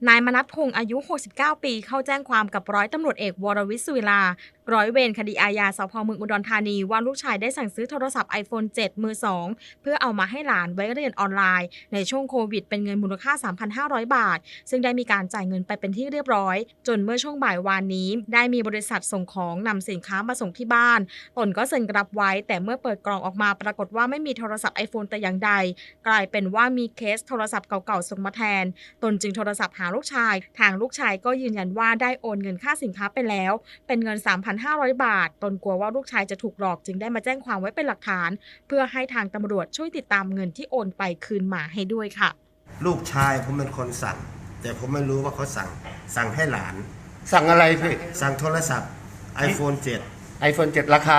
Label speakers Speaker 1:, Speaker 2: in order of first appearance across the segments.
Speaker 1: นายมนัสพงษ์อายุ 69 ปีเข้าแจ้งความกับร้อยตำรวจเอกวรวิศ สุวิลาร้อยเวรคดีอาญาสพ.เมืองอุดรธานีว่าลูกชายได้สั่งซื้อโทรศัพท์ iPhone 7 มือ 2 เพื่อเอามาให้หลานไว้เรียนออนไลน์ในช่วงโควิดเป็นเงินมูลค่า 3,500 บาทซึ่งได้มีการจ่ายเงินไปเป็นที่เรียบร้อยจนเมื่อช่วงบ่ายวานนี้ได้มีบริษัทส่งของนำสินค้ามาส่งที่บ้านตนก็เซ็นรับไว้แต่เมื่อเปิดกล่องออกมาปรากฏว่าไม่มีโทรศัพท์ iPhone แต่อย่างใดกลายเป็นว่ามีเคสโทรศัพท์เก่าๆส่งมาแทนตนจึงโทรศัพท์หาลูกชายทางลูกชายก็ยืนยันว่าได้โอนเงินค่าสินค้าไปแล้วเป็นเงิน 3,500 บาทตนกลัวว่าลูกชายจะถูกหลอกจึงได้มาแจ้งความไว้เป็นหลักฐานเพื่อให้ทางตำรวจช่วยติดตามเงินที่โอนไปคืนมาให้ด้วยค่ะ
Speaker 2: ลูกชายผมเป็นคนสั่งแต่ผมไม่รู้ว่าเขาสั่งให้หลาน
Speaker 3: สั่งอะไรพี่
Speaker 2: สั่งโทรศัพท์ iPhone 7
Speaker 3: iPhone 7 ราคา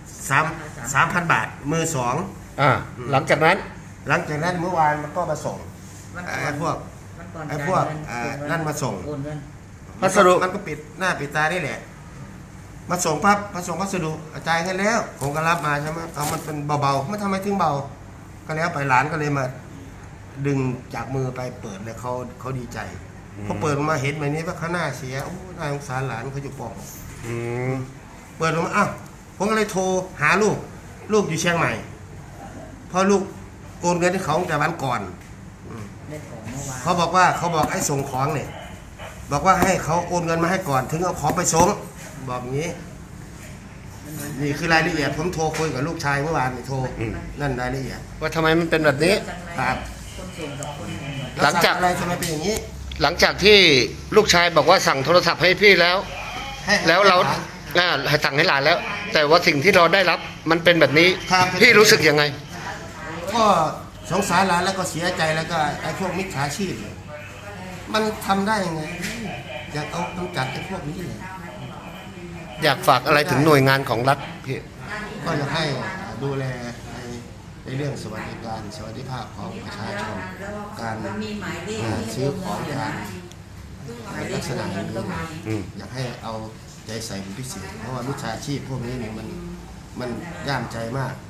Speaker 2: 3,000 บาทมือ 2
Speaker 3: หลังจากนั้น
Speaker 2: เมื่อวานมันก็มาส่งไอ้พวกนั่นมาส่ง
Speaker 3: พัสดุ
Speaker 2: มันก็ปิดหน้าปิดตาได้แหละมาส่งปั๊บมาส่งพัสดุจ่ายให้แล้วผมก็รับมาใช่ไหมเอามันเป็นเบาๆไม่ทำไมถึงเบาก็แล้วไปหลานก็เลยมาดึงจากมือไปเปิดเลยเขาดีใจพอเปิดมาเห็นแบบนี้ว่าเขาหน้าเสียโอ้น่าสงสารหลานเขาอยู่ปอกเปิดออกมาอ้าวผมก็เลยโทรหาลูกอยู่เชียงใหม่พอลูกโอนเงินให้เขาแต่วันก่อนเขาบอกไอ้ส่งของเนี่ยบอกว่าให้เขาโอนเงินมาให้ก่อนถึงเอาของไปส่งบอกอย่างนี้นี่คือรายละเอียดผมโทรคุยกับลูกชายเมื่อวานนี่โทรนั่นรายละเอียด
Speaker 3: ว่าทำไมมันเป็นแบบนี้
Speaker 2: ครับ
Speaker 3: หลังจาก
Speaker 2: อะไรทำไมเป็นอย่างนี้
Speaker 3: หลังจากที่ลูกชายบอกว่าสั่งโทรศัพท์ให้พี่แล้วเราสั่งให้หลานแล้วแต่ว่าสิ่งที่เราได้รับมันเป็นแบบนี้พี่รู้สึกยังไง
Speaker 2: ก็สงสารหลานแล้วก็เสียใจแล้วก็ไอ้พวกมิจฉาชีพมันทำได้ยังไงอยากเอากำจัดไอ้พวกนี้เลย
Speaker 3: อยากฝากอะไรถึงหน่วยงานของรัฐพี่
Speaker 2: ก็อยากให้ดูแลในเรื่องสวัสดิภาพของประชาชนการซื้อของการลักษณะนี้อยากให้เอาใจใส่เป็นพิเศษเพราะว่ามิจฉาชีพพวกนี้เนี่ยมันย่ามใจมาก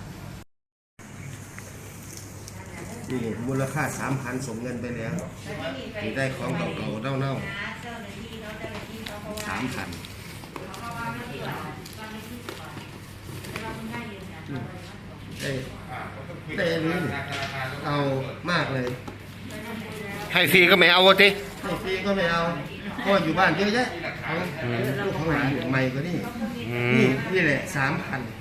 Speaker 2: นี่มูลค่า 3,000 ส่งเงินไปแล้วนี่ได้ของเก่าๆเน่าๆ 3,000ได้อันนี้เอามากเลย
Speaker 3: ให้ฟรีก็ไม่เอาวะที
Speaker 2: ให้ฟรีก็ไม่เอาก็อยู่บ้านเยอะแยะเอาลูกของหลานใหม่ก็นี่แหละ 3,000